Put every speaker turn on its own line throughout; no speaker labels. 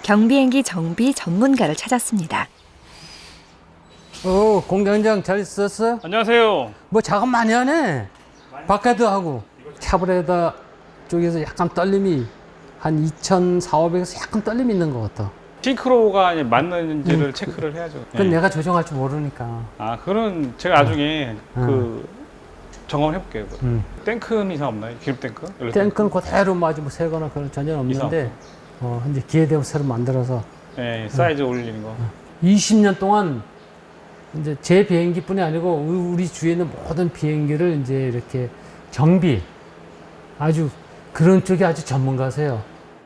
경비행기 정비 전문가를 찾았습니다.
공장장 잘 있었어?
안녕하세요.
뭐 작업 많이 하네. 바깥도 하고. 차브레다 쪽에서 약간 떨림이 한 2,400에서 약간 떨림이 있는 것 같아.
싱크로가 맞는지를 체크를 해야죠.
그건
네.
내가 조정할 줄 모르니까.
아, 그런 제가 나중에 그 점검을 해볼게요. 탱크는 이상 없나요? 기름 탱크? 연료
탱크는 그대로 맞이 뭐 새거나 그런 전혀 없는데 이제 기회 되면 새로 만들어서
네, 사이즈 올리는 거.
20년 동안 이제 제 비행기뿐이 아니고 우리 주위에 있는 모든 비행기를 이제 이렇게 정비 아주 그런 쪽에 아주 전문가세요.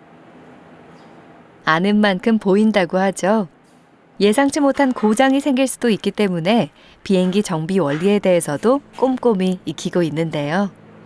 아는 만큼 보인다고 하죠. 예상치 못한 고장이 생길 수도 있기 때문에 비행기 정비 원리에 대해서도 꼼꼼히 익히고 있는데요.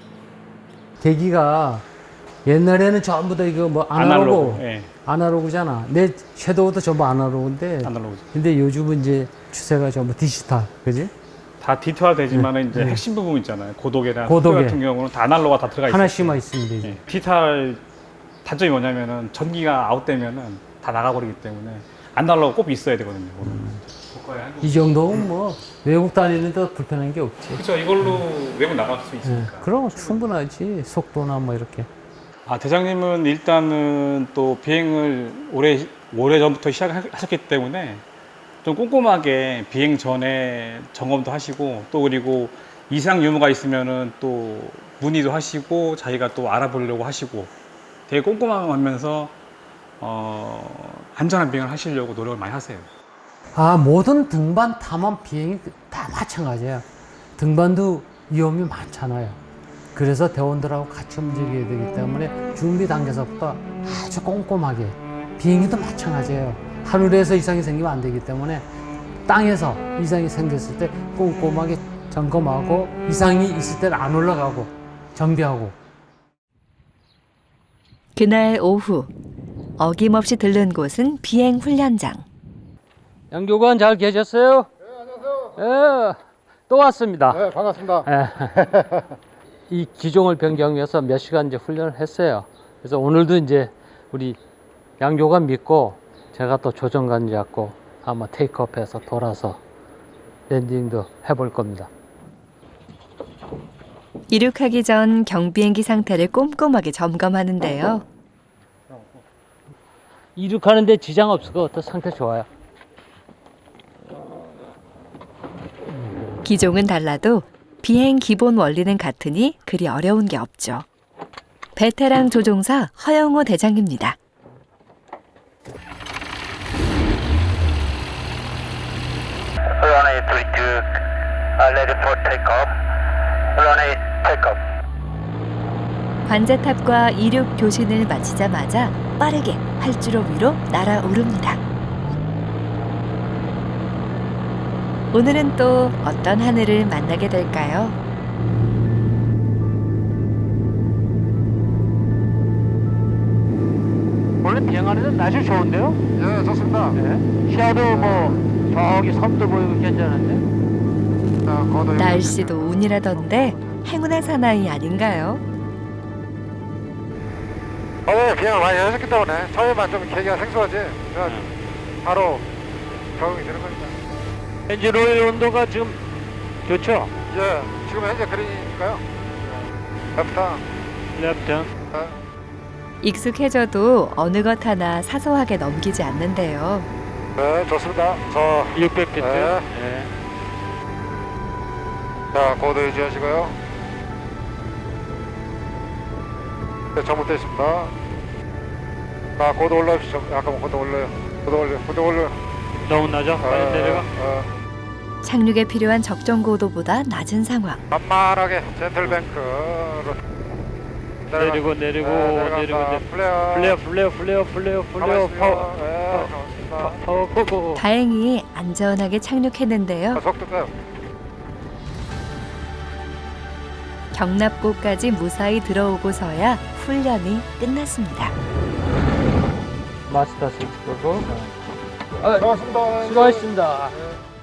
계기가 옛날에는 전부 다 이거 뭐
아날로그, 예.
아날로그잖아. 내 섀도우도 전부 아날로그인데.
아날로그죠.
근데 요즘은 이제 추세가 전부 디지털, 그지?
다 디지털화 되지만 이제 핵심 부분 있잖아요. 고도계나
고도계.
속도 같은 경우는 다 아날로그가 다 들어가 있어요.
하나씩만 있으면 되지.
예. 디지털 단점이 뭐냐면은 전기가 아웃되면은 다 나가버리기 때문에 아날로그 꼭 있어야 되거든요.
이 정도면 뭐 외국 다니는데 불편한 게 없지.
그렇죠. 이걸로 외국 나갈 수 있으니까.
그럼 충분하지. 속도나 뭐 이렇게.
아, 대장님은 일단은 또 비행을 오래 전부터 시작하셨기 때문에 좀 꼼꼼하게 비행 전에 점검도 하시고 또 그리고 이상 유무가 있으면은 또 문의도 하시고 자기가 또 알아보려고 하시고 되게 꼼꼼하면서 안전한 비행을 하시려고 노력을 많이 하세요.
모든 등반 탐험 비행이 다 마찬가지야. 등반도 위험이 많잖아요. 그래서 대원들하고 같이 움직여야 되기 때문에 준비 단계에서부터 아주 꼼꼼하게. 비행기도 마찬가지예요. 하늘에서 이상이 생기면 안 되기 때문에 땅에서 이상이 생겼을 때 꼼꼼하게 점검하고 이상이 있을 때는 안 올라가고 정비하고.
그날 오후 어김없이 들른 곳은 비행 훈련장.
양교관 잘 계셨어요?
네, 안녕하세요.
또 왔습니다.
네, 반갑습니다.
이 기종을 변경해서 몇 시간 이제 훈련을 했어요. 그래서 오늘도 이제 우리 양교관 믿고 제가 또 조정관 잡고 아마 테이크업해서 돌아서 랜딩도 해볼 겁니다.
이륙하기 전 경비행기 상태를 꼼꼼하게 점검하는데요.
이륙하는데 지장 없을 것 같아. 상태 좋아요.
기종은 달라도 비행 기본 원리는 같으니 그리 어려운 게 없죠. 베테랑 조종사 허영호 대장입니다.
Runway 32, ready for takeoff. Runway takeoff.
관제탑과 이륙 교신을 마치자마자 빠르게 활주로 위로 날아오릅니다. 오늘은 또 어떤 하늘을 만나게 될까요?
원래 비행하는데 날씨 좋은데요?
예, 좋습니다.
시야도 뭐 저기 섬도 보이고 괜찮은데.
자, 거도
날씨도 운이라던데 행운의 사나이 아닌가요?
어제 비행을 많이 하셨기 때문에 처음에만 좀 계기가 생소하지. 그냥 바로 적응이 되는 겁니다.
엔진 오일 온도가 지금 좋죠?
예, 지금 현재 그린이니까요. 레프트.
랩튼.
익숙해져도 어느 것 하나 사소하게 넘기지 않는데요.
네, 좋습니다. 저
600피트.
네. 자, 고도 유지하시고요. 네, 잘못되어 있습니다. 자, 고도 올라오시죠. 약간 고도 올려요. 고도 올려요.
너무 낮아? 빨리 내려가.
착륙에 필요한 적정 고도보다 낮은 상황.
만만하게 젠틀뱅크로
내리고 플레어 파워 끄고.
다행히 안전하게 착륙했는데요.
속도 빼요.
경납고까지 무사히 들어오고서야 훈련이 끝났습니다.
마스터 스위치 끄고.
고맙습니다.
수고하셨습니다.
네.